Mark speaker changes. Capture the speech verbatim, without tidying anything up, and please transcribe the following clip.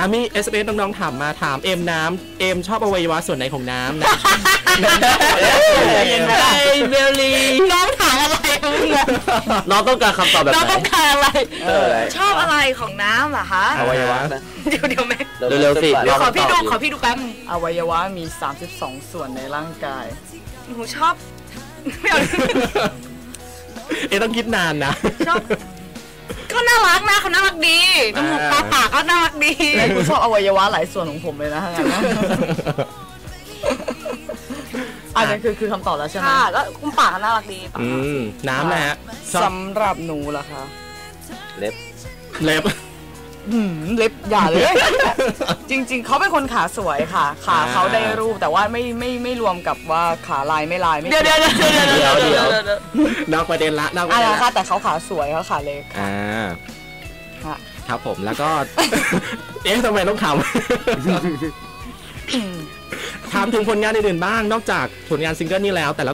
Speaker 1: อ่ะมี เอส เอ็ม เอส น้องๆถามมาถามเอ็มน้ำเอ็มชอบอวัยวะส่วนไหนของน้ำนะ
Speaker 2: เย็นไหมล่ะเบลลี่น้องถามอะไร
Speaker 3: น้องต้องการคำตอบแบบไหน
Speaker 2: น้องต้องการอะไร
Speaker 4: ชอบอะไรของน้ำเหรอคะ
Speaker 1: อวัยวะ
Speaker 4: เดี๋ยวเดี๋ยวแม่
Speaker 3: เร็วๆสิ
Speaker 4: ขอพี่ดูขอพี่ดูแป๊บ
Speaker 2: อวัยวะมีสามสิบสองส่วนในร่างกาย
Speaker 4: หนูชอบไม่เอา
Speaker 1: เอ๊ะต้องคิดนานนะ
Speaker 4: ชอบเขาน่ารักนะเขาน่ารักดีจมูกตาปากเขาน่ารักดี
Speaker 2: คุณชอบอวัยวะหลายส่วนของผมเลยนะงั้นนะอันนี้คือคือคำตอบแล้วใช่ไหม
Speaker 4: ค่ะก็คุณปากเขาน่ารักดี
Speaker 1: อืมน้ำนะฮะ
Speaker 2: สำหรับหนูล่ะคะ
Speaker 3: เล็บ
Speaker 1: เล็บ
Speaker 2: เล็บอย่าเลยจริงๆเขาเป็นคนขาสวยค่ะขาเขาได้รูปแต่ว่าไม่ไม่ไม่รวมกับว่าขาลายไม่ลายไม่
Speaker 4: เดี๋ยวเดี๋ยวเดี๋ยวเดี๋ยวเดี๋ยว
Speaker 1: นอกประเด็นละนอกประเด็น
Speaker 2: ละค่ะแต่เขาขาสวยเขาขาเล็ก
Speaker 1: อ่า
Speaker 2: ค่ะ
Speaker 1: ครับผมแล้วก็เอ๊ะทำไมต้องขำถามถึงผลงานอื่นๆบ้างนอกจากผลงานซิงเกิลนี้แล้วแต่ละ